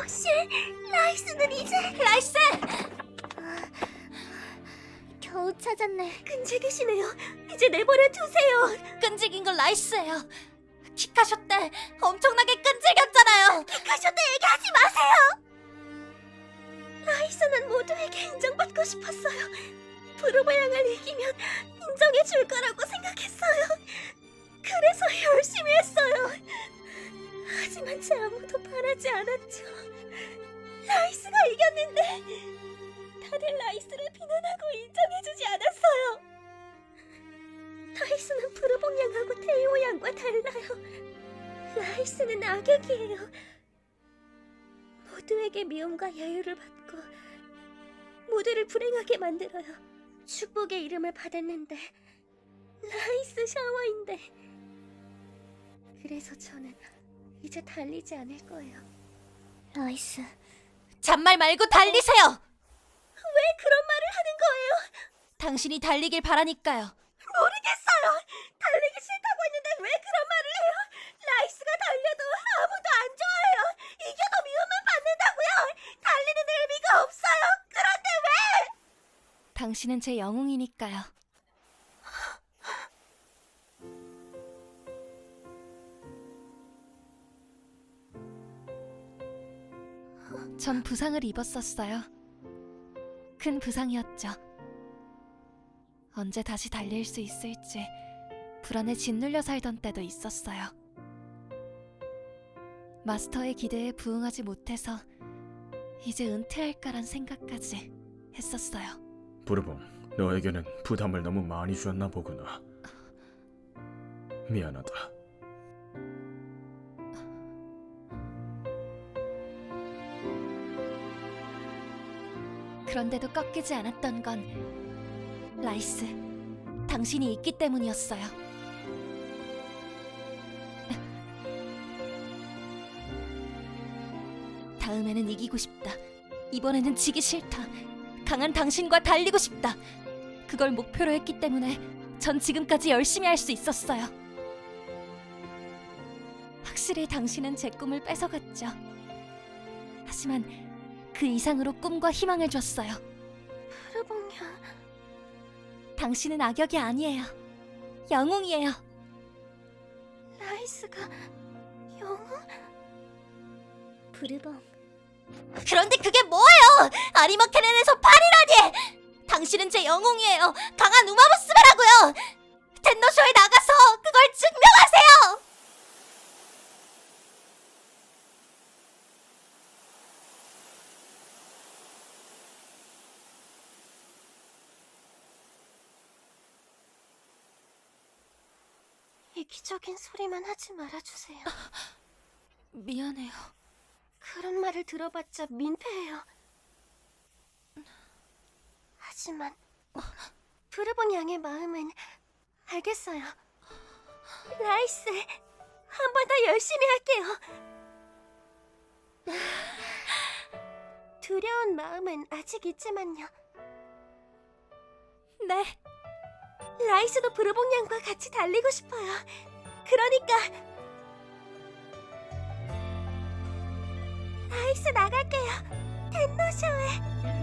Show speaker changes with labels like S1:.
S1: 역시 라이스는 이제...
S2: 라이스!
S1: 겨우 찾았네. 끈질기시네요. 이제 내버려 두세요.
S2: 끈질긴 건 라이스예요. 키카쇼 때 엄청나게 끈질겼잖아요.
S1: 키카쇼 때 얘기하지 마세요. 라이스는 모두에게 인정받고 싶었어요. 브루버 양을 이기면 인정해줄 거라고 생각했어요. 그래서 열심히 했어요. 하지만 제 아무도 바라지 않았죠. 라이스가 이겼는데 다들 라이스를 비난하고 인정해주지 않았어요. 라이스는 브루봉 양하고 테이오 양과 달라요. 라이스는 악역이에요. 모두에게 미움과 여유를 받고 모두를 불행하게 만들어요. 축복의 이름을 받았는데 라이스 샤워인데. 그래서 저는 이제 달리지 않을 거예요. 라이스,
S2: 잔말 말고 달리세요.
S1: 왜 그런 말을 하는 거예요?
S2: 당신이 달리길 바라니까요.
S1: 모르겠어요. 달리기 싫다고 했는데 왜 그런 말을 해요? 라이스가 달려도 아무도 안 좋아해요. 이겨도 미움만 받는다고요. 달리는 의미가 없어요. 그런데 왜?
S2: 당신은 제 영웅이니까요. 전 부상을 입었었어요. 큰 부상이었죠. 언제 다시 달릴 수 있을지 불안에 짓눌려 살던 때도 있었어요. 마스터의 기대에 부응하지 못해서 이제 은퇴할까란 생각까지 했었어요.
S3: 브루봉, 너에게는 부담을 너무 많이 주었나 보구나. 미안하다.
S2: 그런데도 꺾이지 않았던 건 라이스, 당신이 있기 때문이었어요. 다음에는 이기고 싶다. 이번에는 지기 싫다. 강한 당신과 달리고 싶다. 그걸 목표로 했기 때문에 전 지금까지 열심히 할 수 있었어요. 확실히 당신은 제 꿈을 뺏어갔죠. 하지만 그 이상으로 꿈과 희망을 줬어요.
S1: 브루봉양,
S2: 당신은 악역이 아니에요. 영웅이에요.
S1: 라이스가 영웅? 브루봉,
S2: 그런데 그게 뭐예요? 아리마케넨에서 8이라니! 당신은 제 영웅이에요. 강한 우마무스메라고요. 텐노쇼에 나가서 그걸 증명하세요.
S1: 이기적인 소리만 하지 말아주세요.
S2: 미안해요.
S1: 그런 말을 들어봤자 민폐예요. 하지만 브루봉 양의 마음은 알겠어요. 라이스, 한 번 더 열심히 할게요. 두려운 마음은 아직 있지만요.
S2: 네.
S1: 라이스도 브루봉 양과 같이 달리고 싶어요. 그러니까 라이스 나갈게요. 텐노쇼에.